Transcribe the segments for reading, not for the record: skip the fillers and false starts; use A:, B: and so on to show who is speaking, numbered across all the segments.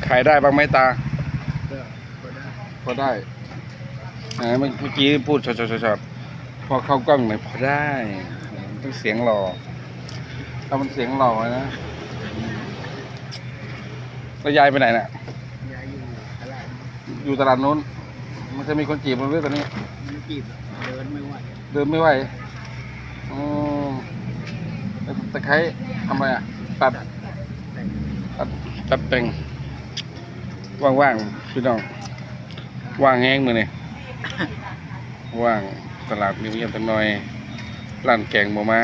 A: ขายได้บ้างไหมตา
B: ก็ได้
A: พอได้เมื่อกี้พูดช็อตพอเข้ากล้องหน่อยพอได้ต้องเสียงหล่อถ้ามันเสียงหล่อนะแล้วยายไปไหนน่ะ
B: ยายอยู่ตลาด
A: อยู่ตลาดนู้นมันจะมีคนจีบเราด้วยตอนนี้
B: ไม่จีบเดินไม่ไหว
A: เดินไม่ไหวอ๋อตะไคร้ทำอะไรอ่ะตัดแต่งว่างๆพี่น้องว่างแห้งมือนี่ว่างตลาดเงียบๆตั้งหน่อยร้านแกงบ่มา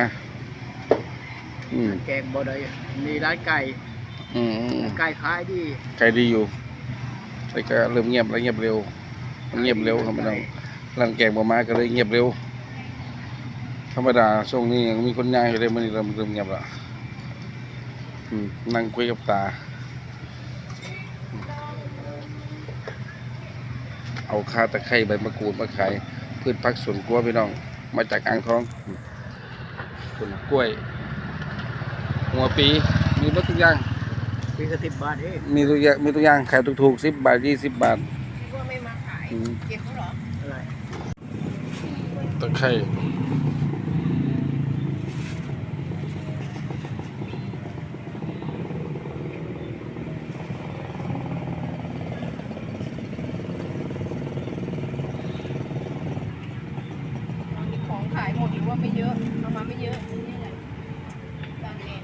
B: แกงบ่ได้มีร้านไก่ไก่ขายดี
A: ไก่ดีอยู่แต่ก็เริ่มเงียบแล้วเงียบเร็วมันเงียบเร็วครับพี่น้องร้านแกงบ่มาก็เลยเงียบเร็วธรรมดาช่วงนี้ยังมีคนย่างอยู่เลยมันเริ่มเงียบแล้วนั่งคุยกับตาเอาข่าตะไคร้ใบมะกรูดมาขายพืชผักสวนครัวพี่น้องมาจากอ่างทองผลกล้วยหัวปีมีรถทุกอย่าง
B: ปีละ10 บาทเอง
A: มีทุกอย่างขายถูกๆ10 บาท20 บาท
C: ว่าไม่มาขายเก็บเขาเหรอ
B: อะไร
A: ตะไคร้
C: ของขายหมดหรือว่าไม่เยอะเอามาไม่เยอะนี่แหละจานเอง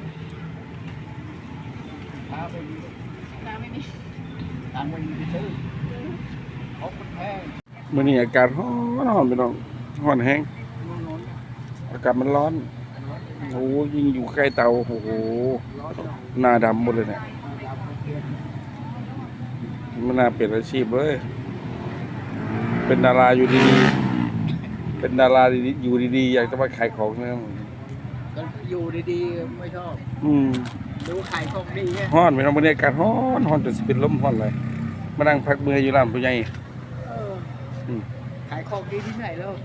B: ข้าวไปดี
C: ร้านไม่มี
B: ตังค์ไม่มีไปซื้อของมันแพง
A: มื้อนี้อากาศร้อนพี่น้องร้อนแห้งอากาศมันร้อนโอ้ยิ่งอยู่ใกล้เตาโอ้โหหน้าดำหมดเลยเนี่ยมันน่าเปลี่ยนอาชีพเลยเป็นดาราอยู่ดีๆเป็นดาราอยู่ดีๆอยากจะมาขายของเนี่ย
B: ก็อยู่ดีๆไม่ชอบดูขายของดีไง
A: ร้อนพี่น้องมื้อนี้อากาศร้อนจนสิเป็นลมร้อนเลยมานั่งพักเมื่อยอยู่ร้านผู้ใหญ่
B: ขายของดีที่ไหนแล้ว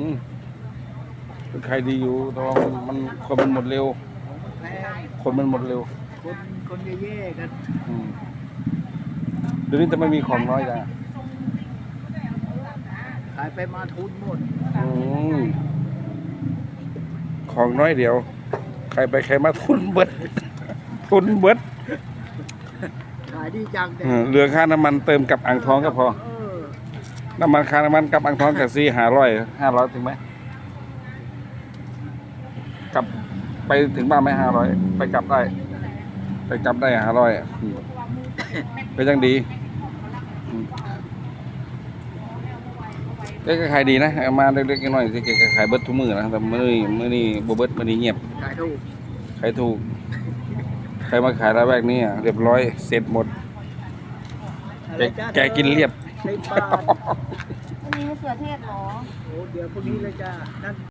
A: ขายดีอยู่แต่ว่ามันคนมันหมดเร็วคนมันหมดเร็ว
B: คนเย่ๆกัน
A: เดี๋ยวนี้จะไม่มีของน้อยจ้ะ
B: ขายไปมาทุนหมด
A: ของน้อยเดียวใครไปใครมาทุนเบิดทุนเบิด
B: ขายดีจัง
A: เหลือค่าน้ำมันเติมกับอ่างทองก็พอน้ำมันค่าน้ำมันกับอ่างทองกับ500ถึงไหมกลับไปถึงบ้านไม่500ไปกลับได้500ก็ยังดีก็ขายดีนะมาเล็กๆน้อยๆก็ขายเบิดทุกมื้อนะแต่มื้อนี้บ่เบิดมื้อนี้เงียบ
B: ขายถู
A: กใครมาขายแล้วแวกนี้เรียบร้อยเสร็จหมดแกกินเรียบ
C: อันนี้มะเขือเทศเหรอ
B: โอ้เดี๋ยวพวกนี้เลยจ้า